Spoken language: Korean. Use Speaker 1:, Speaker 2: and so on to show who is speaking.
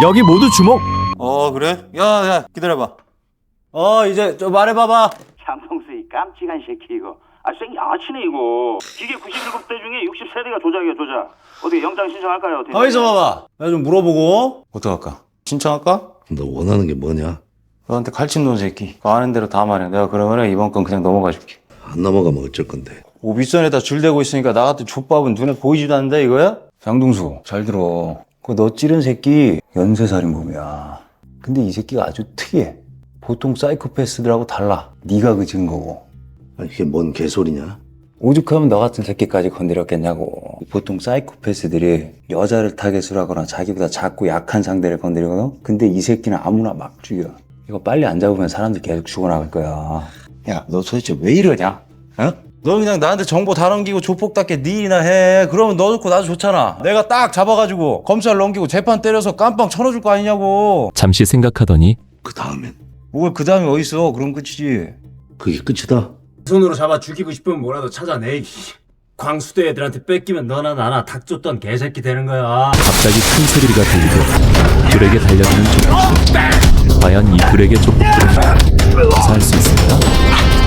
Speaker 1: 여기 모두 주목.
Speaker 2: 그래? 야 기다려봐.
Speaker 3: 이제 좀 말해봐봐.
Speaker 4: 장성수 이 깜찍한 새끼 이거. 생 양아치네 이거. 기계 97대 중에 60세대가 조작이야 조작. 어떻게 영장 신청할까요?
Speaker 3: 가만있어 봐봐. 나 좀 물어보고.
Speaker 2: 어떡할까? 신청할까?
Speaker 5: 너 원하는 게 뭐냐?
Speaker 2: 너한테 칼집 놓은 새끼. 그 아는 대로 다 말해. 내가 그러면 이번 건 그냥 넘어가 줄게.
Speaker 5: 안 넘어가면 어쩔 건데?
Speaker 2: 윗선에다 줄 대고 있으니까 나 같은 족밥은 눈에 보이지도 않는다 이거야? 장동수 잘 들어. 그 너 찌른 새끼 연쇄살인범이야. 근데 이 새끼가 아주 특이해. 보통 사이코패스들하고 달라. 네가 그 증거고.
Speaker 5: 아니, 이게 뭔 개소리냐?
Speaker 2: 오죽하면 너 같은 새끼까지 건드렸겠냐고. 보통 사이코패스들이 여자를 타겟으로 하거나 자기보다 작고 약한 상대를 건드리거든? 근데 이 새끼는 아무나 막 죽여. 이거 빨리 안 잡으면 사람들 계속 죽어나갈 거야. 야, 너 도대체 왜 이러냐? 어? 너 그냥 나한테 정보 다 넘기고 조폭답게 네 일이나 해. 그러면 너 좋고 나도 좋잖아. 내가 딱 잡아가지고 검찰 넘기고 재판 때려서 깜빵 쳐넣어줄 거 아니냐고.
Speaker 1: 잠시 생각하더니
Speaker 5: 그 다음엔?
Speaker 2: 뭘 그 다음에 어딨어. 그럼 끝이지.
Speaker 5: 그게 끝이다?
Speaker 3: 손으로 잡아 죽이고 싶으면 뭐라도 찾아내. 광수대 애들한테 뺏기면 너나 나나 닭 쫓던 개새끼 되는 거야.
Speaker 1: 갑자기 큰 소리가 들리고 불에게 달려드는 조폭들. 과연 이 불에게 조폭들은 무사할 수 있을까?